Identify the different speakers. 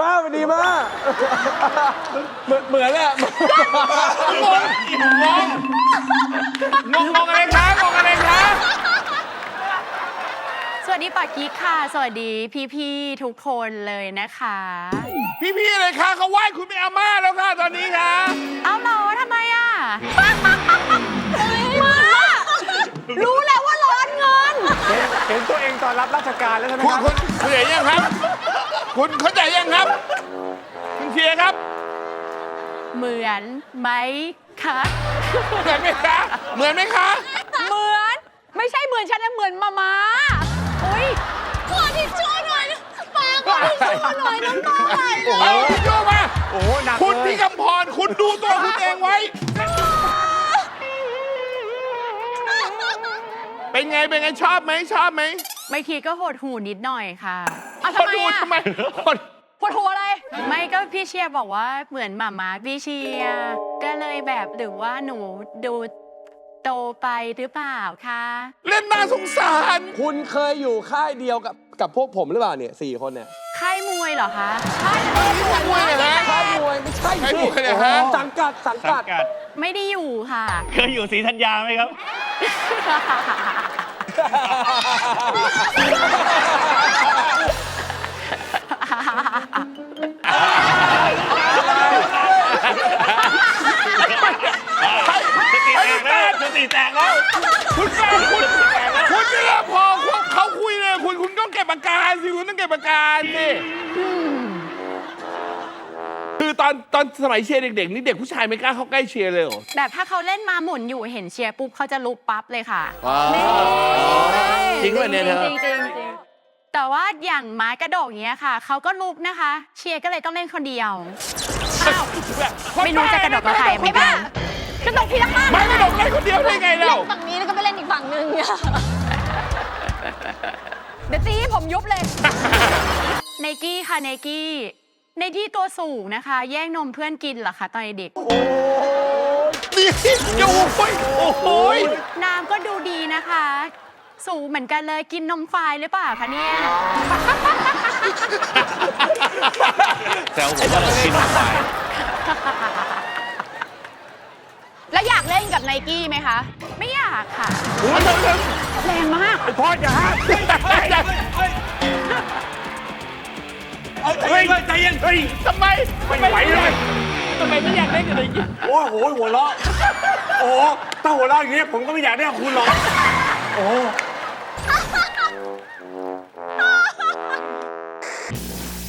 Speaker 1: ป้ามันดีมากเหมือนแหละ
Speaker 2: งงอะไรคะงงอะไรคะ
Speaker 3: สวัสดีปากิ๊กค่ะ สวัสดีพี่ๆทุกคนเลยนะคะ
Speaker 2: พี่ๆเลยค่ะเขาไหว้คุณเป็นอาม่าแล้วค่ะตอนนี้ค่ะ
Speaker 3: เอาเหรอทำไมอ่ะมารู้แล้วว่าร้อนเงิน
Speaker 1: เห็นตัวเองตอนรับราชการแล้วใช่ไหม
Speaker 2: คุณ
Speaker 1: ครับ
Speaker 2: คุณเข้าใจยังครับ คุณเข้าใจยังครับ คุณเชียร์ครับ
Speaker 3: เหมือนไหมคะ
Speaker 2: เหมือนไหมคะเหมือนไหมคะ
Speaker 3: เหมือนไม่ใช่เหมือนฉันนะเหมือนมาอุ้ยขอทิชชู่หน่อยปาขอทิชชู่หน่อยน้ำตาไหลเลย
Speaker 2: เอาทิชชู่มา
Speaker 1: โอ้โหหนัก
Speaker 2: คุณ
Speaker 1: เลย
Speaker 2: พี่กำพรคุณดูตัวคุณเองไว้ เป็นไงเป็นไงชอบไหมชอบไหม
Speaker 3: บางทีก็หดหูนิดหน่อยค่ะ
Speaker 2: ทำไมอ่ะทำไม
Speaker 3: ปวดหัวอะไร ไม่ก็พี่เชียร์บอกว่าเหมือนหมาพี่เชียร์ก็เลยแบบหรือว่าหนูดูโตไปหรือเปล่าคะ
Speaker 2: เล่นน่าสงสาร
Speaker 1: คุณเคยอยู่ค่ายเดียวกับพวกผมหรือเปล่าเนี่ย4 คนเนี่ย
Speaker 3: ค่ายมวยเหรอคะใช่
Speaker 2: มวยเหรอ
Speaker 1: ค่ายมวยไม่ใช่
Speaker 2: ค่าย
Speaker 1: สิ
Speaker 2: มวยเหรอฮะ
Speaker 1: สังกัด
Speaker 3: ไม่ได้อยู่ค่ะ
Speaker 4: เคยอยู่ศรีธัญญาไหมครับ สติแตกแล้ว
Speaker 2: คุณแฟนคุณเนี่ยพอเขาคุยเลยคุณต้องเก็บอาการสิคุณต้องเก็บอาการสิคือตอนสมัยเชียร์เด็กๆนี่เด็กผู้ชายไม่กล้าเข้าใกล้เชียร์เลยเหรอ
Speaker 3: แบบถ้าเขาเล่นมาหมุนอยู่เห็นเชียร์ปุ๊บเขาจะลุกปั๊บเลยค่ะ
Speaker 2: จริงป่ะเนี่ยเธอ
Speaker 3: จริงแต่ว่าอย่างไม้กระโดดเงี้ยค่ะเขาก็ลุกนะคะ เชียร์ก็เลยต้องเล่นคนเดียวอ้าวไม่รู้จะกระโดดกับใครเหมือนกันกระโดดทีละข้าง
Speaker 2: ไม่กระโดดเล่นคนเดียวได้ไงเรา
Speaker 5: ฝั่งนี้แล้วก็ไปเล่นอีกฝั่งนึงเนี่ย
Speaker 3: เดี๋ยวตีให้ผมยุบเลยไนกี้ค่ะไนกี้ตัวสูงนะคะ แย่งนมเพื่อนกินเหรอคะตอนเด็ก
Speaker 2: นี่โอ้ย
Speaker 3: น้ำก็ดูดีนะคะ สูงเหมือนกันเลยกินนมควายหรือเปล่าคะเนี่ย
Speaker 4: แซวผมว่าเรากินน้ำไป
Speaker 5: แล้วอยากเล่นกับไนกี้ไหมคะ
Speaker 3: ไม่อยากค่ะ
Speaker 5: แรงมาก
Speaker 1: พ่ออย่าห้าม
Speaker 4: เฮ้ยใจเย็นเฮ้ย
Speaker 2: ทำไมไม่ไหวเลยทำไมไม่อยากเล่นกับไนกี้
Speaker 1: โอ้โหหัวเราะโอ้ถ้าหัวเราะอย่างนี้ผมก็ไม่อยากได้กับคุณหรอกโอ้